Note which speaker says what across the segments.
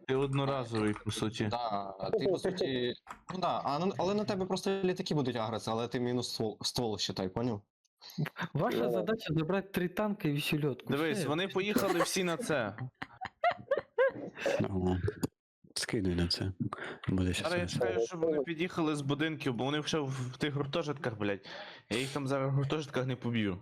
Speaker 1: Ти одноразовий, по суті.
Speaker 2: Да, ти по суті. Ну да, але на тебе просто літаки будуть агритися, але ти мінус ствол считай, поняв?
Speaker 3: Ваша задача забрати 3 танки і всю льотку.
Speaker 1: Дивись,
Speaker 3: Все.
Speaker 1: вони поїхали всі на це.
Speaker 4: Ого. Скидуй на це. Буде
Speaker 1: Зараз я
Speaker 4: щас.
Speaker 1: чекаю, щоб вони під'їхали з будинків, бо вони вже в тих гуртожитках, блядь. Я їх там зараз в гуртожитках не поб'ю.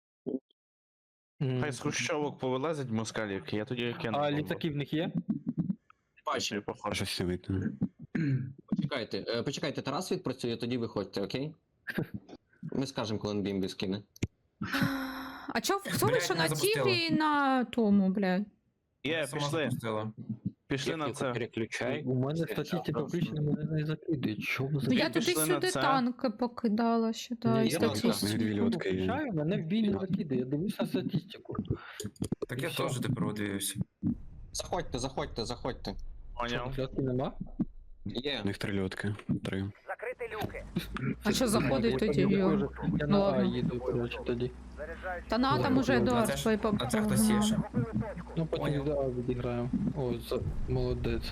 Speaker 3: М.
Speaker 1: Хай з хрущовок повилазять москалівки, я тоді кину.
Speaker 3: А літаки в них є?
Speaker 1: Бачу, похоже.
Speaker 4: Щось не викину.
Speaker 2: Почекайте, Тарас відпрацює, тоді виходьте, окей? Ми скажемо, коли він бімбі скине.
Speaker 5: А чо, хто
Speaker 6: Блядь,
Speaker 5: вийшов
Speaker 6: не
Speaker 5: на
Speaker 6: запустила.
Speaker 5: тігрі і на тому, блядь?
Speaker 1: Є,
Speaker 6: Сама
Speaker 1: пішли.
Speaker 6: запустила.
Speaker 1: Пішли на це.
Speaker 7: Переключай.
Speaker 3: У мене статистика включена, мене не закидують. Що ви за
Speaker 5: Ну я
Speaker 1: пішли на
Speaker 5: туди-сюди
Speaker 1: це.
Speaker 5: танки покидала, считаю,
Speaker 3: Ні, я так
Speaker 5: статистику.
Speaker 4: Дві льотки є.
Speaker 3: включаю, мене в бій не закидає, я дивлюсь на статистику.
Speaker 6: Так я
Speaker 3: Всё.
Speaker 6: теж тепер одивився.
Speaker 2: Заходьте.
Speaker 1: Поняв.
Speaker 3: Льотки нема?
Speaker 2: Є.
Speaker 4: У них 3 льотки. 3.
Speaker 5: А що заходить тоді?
Speaker 3: Я
Speaker 5: Йо?
Speaker 3: на А
Speaker 5: Ладно.
Speaker 3: їду, коротше, тоді.
Speaker 5: Та на там уже
Speaker 6: А
Speaker 5: Едуард
Speaker 6: це
Speaker 5: свої
Speaker 6: А це хтось є ще.
Speaker 3: Ну потім
Speaker 6: Поняв.
Speaker 3: до А відіграємо. О, молодець.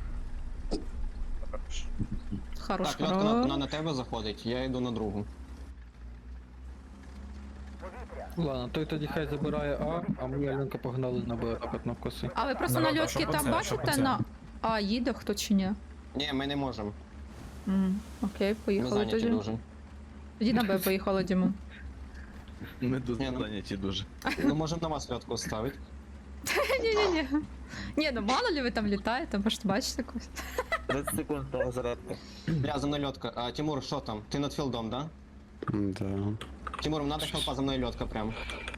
Speaker 5: Хорош,
Speaker 2: Так, льотка вона
Speaker 5: хорош.
Speaker 2: на тебе заходить, я йду на другу.
Speaker 3: Ладно, той тоді хай забирає а ми Альонка погнали на Б, так от навкоси.
Speaker 5: А ви просто
Speaker 6: Народ,
Speaker 5: на
Speaker 6: а
Speaker 5: льотки
Speaker 6: що по
Speaker 5: там
Speaker 6: це? Що по
Speaker 5: бачите
Speaker 6: це?
Speaker 5: на А їде хто чи ні?
Speaker 2: Ні, ми не можемо.
Speaker 5: Окей,
Speaker 2: Ми
Speaker 5: поїхали
Speaker 2: зайняті
Speaker 5: тоді.
Speaker 2: дуже.
Speaker 5: Тоді на Б поїхали, Дімон.
Speaker 1: Ми тут
Speaker 2: Ні, ну-
Speaker 1: зайняті дуже.
Speaker 2: Ну можемо на вас льотку ставити.
Speaker 5: Ні-ні-ні. Ні, ну мало ли ви там літаєте, може бачите когось.
Speaker 1: 30 секунд того зарядка.
Speaker 2: Бля, за мною льотка. А, Тимур, що там? Ти над філдом, да?
Speaker 4: Да.
Speaker 2: Тимур, надо хелпа, за мною льотка прям.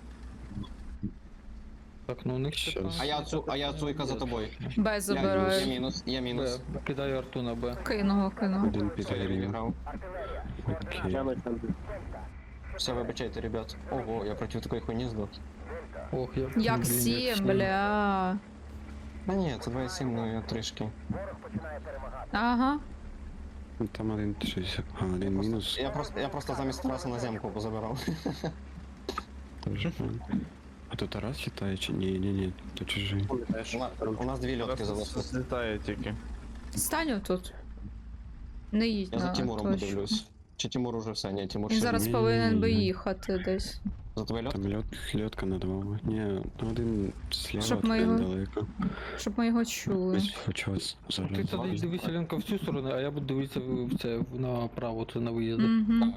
Speaker 3: Так, ну у них ще
Speaker 4: Щас.
Speaker 3: там.
Speaker 2: А я цуйка за тобою.
Speaker 5: Б
Speaker 2: Я
Speaker 5: забираю.
Speaker 2: мінус.
Speaker 3: Б, кидаю арту на Б.
Speaker 5: Кинув.
Speaker 4: Один
Speaker 2: Все, я
Speaker 4: підгорів.
Speaker 2: відіграв.
Speaker 4: Окей.
Speaker 2: Все, вибачайте, ребят. Ого, я проти такої хуйні здох.
Speaker 3: Ох, я...
Speaker 5: Як
Speaker 3: блін,
Speaker 5: 7, бля.
Speaker 2: А ні, це 2,7, ну я трішки.
Speaker 5: Ага.
Speaker 4: Ну, там один щось. А, один мінус.
Speaker 2: Я просто замість Тараса на земку позабирав.
Speaker 4: Тоже. А то Тарас читає чи ні? Ні, то чужий.
Speaker 2: У нас дві льотки залишилось.
Speaker 1: Злітає тільки.
Speaker 5: Стань тут. Не їдь
Speaker 2: Я за
Speaker 5: на
Speaker 2: Тимуром
Speaker 5: точку.
Speaker 2: подивлюсь. Чи Тимур уже все? Ні, Тимур
Speaker 5: Він
Speaker 2: ще.
Speaker 5: зараз
Speaker 4: Ні,
Speaker 5: повинен би
Speaker 4: ні.
Speaker 5: їхати десь.
Speaker 2: За твою льотку?
Speaker 4: Там льотка на 2. Ні, один слева,
Speaker 5: Щоб ми
Speaker 4: один
Speaker 5: його-
Speaker 4: далеко.
Speaker 5: Щоб ми його чули.
Speaker 4: Ось почалось
Speaker 3: Ти
Speaker 4: зараз.
Speaker 3: тоді дивись, Альонка, в цю сторону, а я буду дивитися в це, направо, це на виїзд.
Speaker 5: Угу.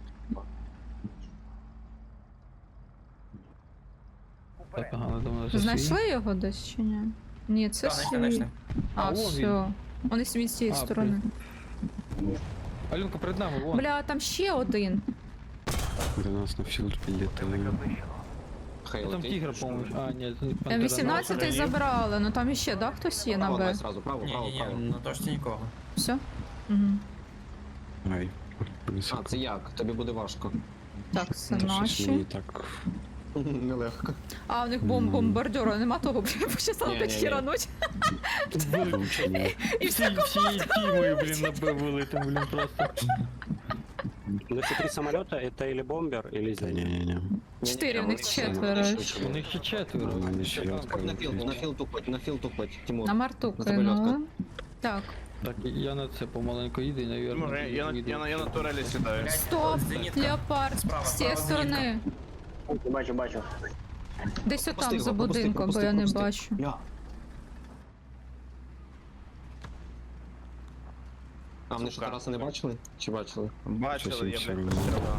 Speaker 3: Так, ага, надо мною засвій.
Speaker 5: Знайшли його десь чи ні? Ні, це
Speaker 6: Так,
Speaker 5: свій.
Speaker 6: знайшли.
Speaker 5: А,
Speaker 3: А, вон
Speaker 5: все. Вони з цієї
Speaker 3: А,
Speaker 5: сторони.
Speaker 3: Альонка, перед нами, вон.
Speaker 5: Бля, там ще один.
Speaker 4: До нас на філд підлітали.
Speaker 2: Хай
Speaker 3: Там
Speaker 2: летить.
Speaker 3: тігр, по-моєму. А, ні, це не пантера.
Speaker 5: 18-й забрали, ну там іще, да, хтось є на
Speaker 2: Право,
Speaker 5: Б?
Speaker 2: давай сразу, право,
Speaker 6: Ні,
Speaker 2: право,
Speaker 6: ні, ні,
Speaker 2: право.
Speaker 6: на точці нікого.
Speaker 5: Все? Угу.
Speaker 4: Ай.
Speaker 2: А, це як? Тобі буде важко.
Speaker 5: Так, це
Speaker 4: Та щось мені
Speaker 5: наші.
Speaker 4: так.
Speaker 2: Нелегко.
Speaker 5: А, у них
Speaker 4: Нормально.
Speaker 5: бомбардера, нема того, бля, почесали
Speaker 2: Ні,
Speaker 5: так
Speaker 2: ні, ні.
Speaker 5: хірануть.
Speaker 4: Влучення.
Speaker 5: І все.
Speaker 3: Всією тімою, блін, на Б вилити, блін, просто.
Speaker 7: Ну, эти 3 самолета, это или бомбер, или
Speaker 4: Та
Speaker 7: зенит.
Speaker 4: ні.
Speaker 5: 4, у них
Speaker 2: Все,
Speaker 5: 4.
Speaker 3: У них ще 4.
Speaker 4: У мене ще льотка.
Speaker 2: На філ тупоть, Тимур.
Speaker 5: На марту
Speaker 2: На тебе льотка.
Speaker 5: кинули. Так.
Speaker 3: Так, я на це помаленьку їду і, навірно,
Speaker 1: Тимур, я на турелі сідаю.
Speaker 5: Стоп!
Speaker 6: Зенітка.
Speaker 5: Леопард!
Speaker 6: Справа,
Speaker 5: З цієї
Speaker 6: справа
Speaker 5: сторони.
Speaker 7: Бачу.
Speaker 5: Десь отам
Speaker 2: Пропусти
Speaker 5: за
Speaker 2: його, пропусти,
Speaker 5: будинком, бо
Speaker 2: пропусти,
Speaker 5: я не
Speaker 2: пропусти.
Speaker 5: бачу.
Speaker 2: Ля. А вони що
Speaker 1: Сука.
Speaker 2: Тараса не бачили? Чи бачили?
Speaker 1: Бачили, я,
Speaker 4: Щось
Speaker 1: блядь,
Speaker 4: інше
Speaker 1: постріляв.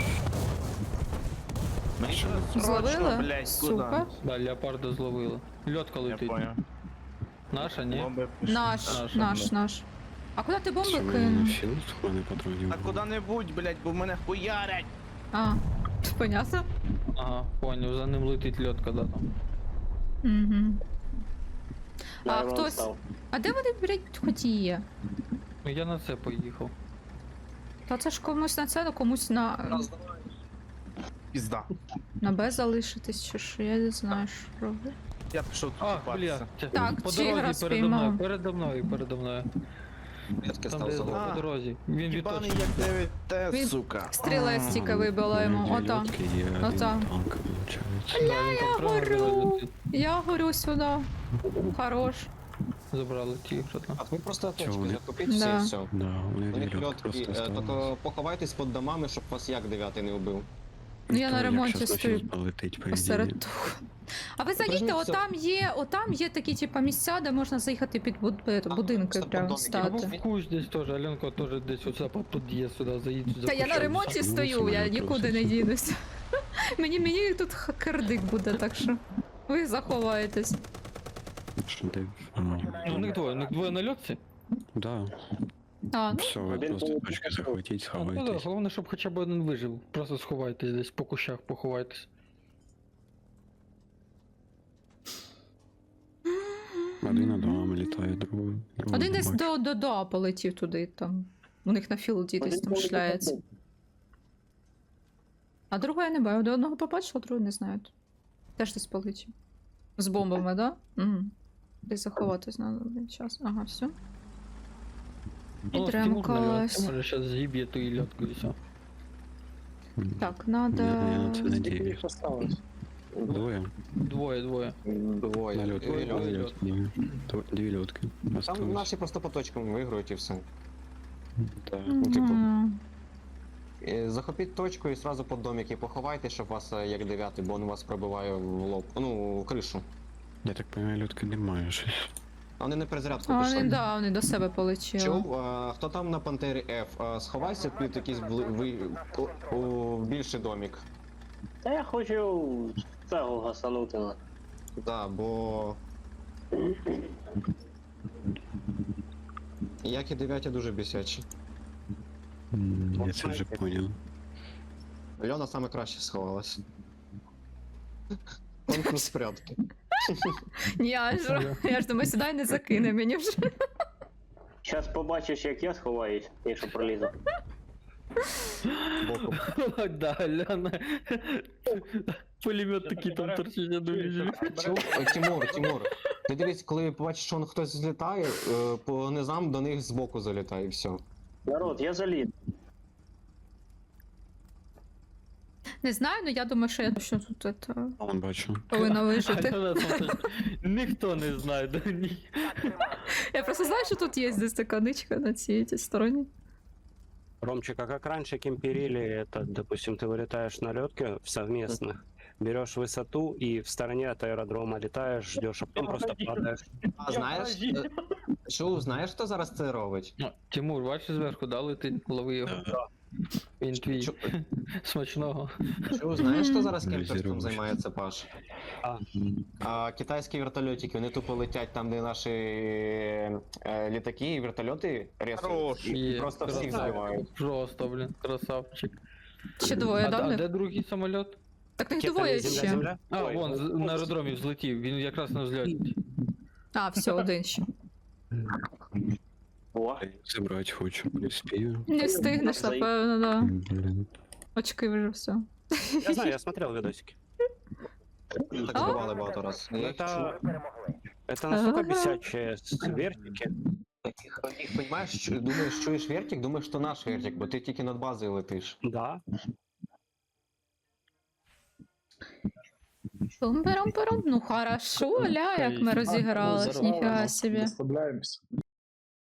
Speaker 1: Мені треба срочно,
Speaker 5: Зловили?
Speaker 1: блядь,
Speaker 5: Сука.
Speaker 1: куди?
Speaker 3: Да, леопарда зловили. Льотка
Speaker 1: Я
Speaker 3: летить.
Speaker 1: понял.
Speaker 3: Наша, ні?
Speaker 1: Бомби пішли.
Speaker 5: Наш. А куди ти бомби
Speaker 4: Що в мене
Speaker 5: кинув?
Speaker 4: на філд? У мене патронів.
Speaker 1: Та куди-небудь, блядь, бо в мене хуярять.
Speaker 5: А, понятно?
Speaker 3: Ага, поняв, за ним летить льотка, да, там.
Speaker 5: Угу. А хтось... А де вони, блядь, хоч є?
Speaker 3: Ну я на це поїхав.
Speaker 5: Та це ж комусь на це, а комусь на
Speaker 1: Пізда.
Speaker 5: Б залишитись, чи що, я не знаю, що робити.
Speaker 1: Я пішов тут
Speaker 3: А,
Speaker 1: купатися.
Speaker 3: бля, це
Speaker 5: Так,
Speaker 3: по
Speaker 5: тігра
Speaker 3: дорозі передо мною,
Speaker 5: спіймав.
Speaker 3: передо мною.
Speaker 2: Льотки
Speaker 3: Там
Speaker 2: став
Speaker 3: де
Speaker 2: за
Speaker 1: А.
Speaker 3: по дорозі. Він
Speaker 1: Їбаний
Speaker 3: відточив.
Speaker 1: як 9Т,
Speaker 5: Він-
Speaker 1: сука.
Speaker 5: Стріла з тіка вибила йому,
Speaker 4: Дві
Speaker 5: отам.
Speaker 4: льотки є, один
Speaker 5: Отам.
Speaker 4: танк, виходить.
Speaker 3: Да, він там прямо
Speaker 5: горю.
Speaker 3: летить.
Speaker 5: Я горю сюди. Хорош.
Speaker 3: забрали ті ігри.
Speaker 2: А ви просто
Speaker 4: Чого
Speaker 2: точки
Speaker 4: вони?
Speaker 2: закупіть всі
Speaker 5: Да.
Speaker 2: і все.
Speaker 4: Да, вони
Speaker 2: У них
Speaker 4: дві льотки
Speaker 2: льотки,
Speaker 4: просто
Speaker 2: тільки
Speaker 4: осталось.
Speaker 2: поховайтесь під домами, щоб вас як 9 не вбив.
Speaker 5: Ну, я на
Speaker 4: Як
Speaker 5: ремонті
Speaker 4: щас
Speaker 5: стою
Speaker 4: ночі полетить, по
Speaker 5: посеред
Speaker 4: ідеї.
Speaker 5: того. А ви заїдьте,
Speaker 2: Прижміться.
Speaker 5: отам є такі, типа, місця, де можна заїхати під будинки
Speaker 2: просто
Speaker 5: прямо
Speaker 2: домики.
Speaker 3: Або
Speaker 5: стати.
Speaker 3: в кущ десь теж, Альонка теж десь оце по під'їзд сюди заїдь.
Speaker 5: Та я на ремонті
Speaker 4: Ну,
Speaker 5: стою, я
Speaker 4: самоліт
Speaker 5: нікуди не
Speaker 4: труситься.
Speaker 5: дінусь. Мені тут кирдик буде, так що ви заховаєтесь.
Speaker 4: Що ти?
Speaker 3: Ну, у них двоє на льотці.
Speaker 4: Да,
Speaker 5: А, ну,
Speaker 4: все, ви
Speaker 7: Один
Speaker 4: просто
Speaker 7: полетів.
Speaker 4: точки захватіть,
Speaker 3: Ну, да,
Speaker 4: сховайтесь.
Speaker 3: головне, щоб хоча б один вижив. Просто сховайтесь десь по кущах, поховайтесь.
Speaker 4: Один над вами літає, другий.
Speaker 5: один десь до полетів туди, там. У них на філді десь там шляється. А другого я не бачу. До одного побачила, другого не знаю. Теж десь полетів. З бомбами, да? Угу. Десь заховатись надо один час. Ага, все.
Speaker 3: Ну, Тимур на
Speaker 5: Підремкалась.
Speaker 3: льотці, може зараз з'їб'є ту і льотку і все.
Speaker 5: Так,
Speaker 4: Я
Speaker 5: надо.
Speaker 4: на це
Speaker 7: Скільки
Speaker 4: надіюсь.
Speaker 7: їх осталось?
Speaker 4: Двоє.
Speaker 3: Двоє.
Speaker 2: Двоє.
Speaker 4: На льотку.
Speaker 3: Двоє,
Speaker 4: Дві
Speaker 3: двоє
Speaker 4: льотки. Дві льотки.
Speaker 2: Там
Speaker 4: Осталось.
Speaker 2: наші просто по точкам виграють і все.
Speaker 4: Так.
Speaker 2: типу,
Speaker 5: Мгм.
Speaker 2: Захопіть точку і зразу під домики поховайте, щоб вас як 9, бо він вас пробиває в лоб. Ну, в кришу.
Speaker 4: Я так понимаю, льотки немає щось.
Speaker 2: А вони на перезарядку
Speaker 5: А
Speaker 2: пішли.
Speaker 5: вони, да, вони до себе полетіли.
Speaker 2: Чув, хто там на Пантері F, сховайся під якийсь у більший домик.
Speaker 7: Та я хочу цього гасанути на.
Speaker 2: Да, бо. Як і 9 дуже бісячі.
Speaker 4: Я це вже поняв.
Speaker 2: Льона саме краще сховалась. Конкурс прятки.
Speaker 5: Ні, я ж думаю, сюди не закине мені вже.
Speaker 7: Щас побачиш, як я сховаюсь, якщо пролізу.
Speaker 2: Боком.
Speaker 3: Да, Ляна. Пулемет такий там торчить, я думаю.
Speaker 2: Чув? Тимур. Ти дивись, коли побачиш, що хтось злітає, по низам до них збоку залітає і все.
Speaker 7: Народ, я заліз.
Speaker 5: Не знаю, але я думаю, що я точно тут это,
Speaker 4: Вон бачу.
Speaker 5: повинна вижити.
Speaker 3: Альона там щось- Ніхто не знає, да ні.
Speaker 5: Я просто знаю, що тут є десь така ничка на цій стороні.
Speaker 7: Ромчик, а как раньше кемперили, это, допустим, ты вылетаешь на летке в совместных, берешь высоту и в стороне от аэродрома летаешь, ждешь, а потом просто падаешь.
Speaker 2: А знаєш, чув, знаєш, хто зараз це робить?
Speaker 3: Ну, Тимур, бачиш зверху, да, летить, лови його. Він твій.
Speaker 2: Чу-
Speaker 3: Смачного.
Speaker 2: Чув, знаєш, хто зараз
Speaker 4: Друзі,
Speaker 2: кемперством
Speaker 4: робиш.
Speaker 2: займається, Паш?
Speaker 7: А.
Speaker 2: Китайські вертольотики, вони тупо летять там, де наші літаки і вертольоти ресують.
Speaker 1: Хорош.
Speaker 2: І
Speaker 3: Є,
Speaker 2: просто всіх
Speaker 3: красавчик.
Speaker 2: збивають.
Speaker 3: Просто, блін, красавчик.
Speaker 5: Ще двоє, да? в
Speaker 3: А
Speaker 5: них?
Speaker 3: де другий самоліт?
Speaker 5: Так їх
Speaker 7: Ракета
Speaker 5: двоє
Speaker 7: не земля,
Speaker 5: ще.
Speaker 7: земля?
Speaker 3: А,
Speaker 7: Ой,
Speaker 3: вон, на аеродромі взлетів, він якраз на взльоті.
Speaker 5: А, все, один ще.
Speaker 7: О,
Speaker 4: Забрати хочу, не спію.
Speaker 5: Не встигнеш,
Speaker 7: Заїб.
Speaker 5: напевно, да.
Speaker 4: Блін.
Speaker 5: Очки вже все.
Speaker 7: я знаю, я смотрел видосики.
Speaker 2: Так збивали багато раз. Я їх чув.
Speaker 7: Это настолько бесячие вертики.
Speaker 2: Їх, понімаєш, думаєш, чуєш вертик, думаєш, що наш вертик, бо ти тільки над базою летиш.
Speaker 7: Да.
Speaker 5: Пум-пером-пером. Ну хорошо, ля, як ми розігрались, ніфіга собі.
Speaker 8: Розслабляємось.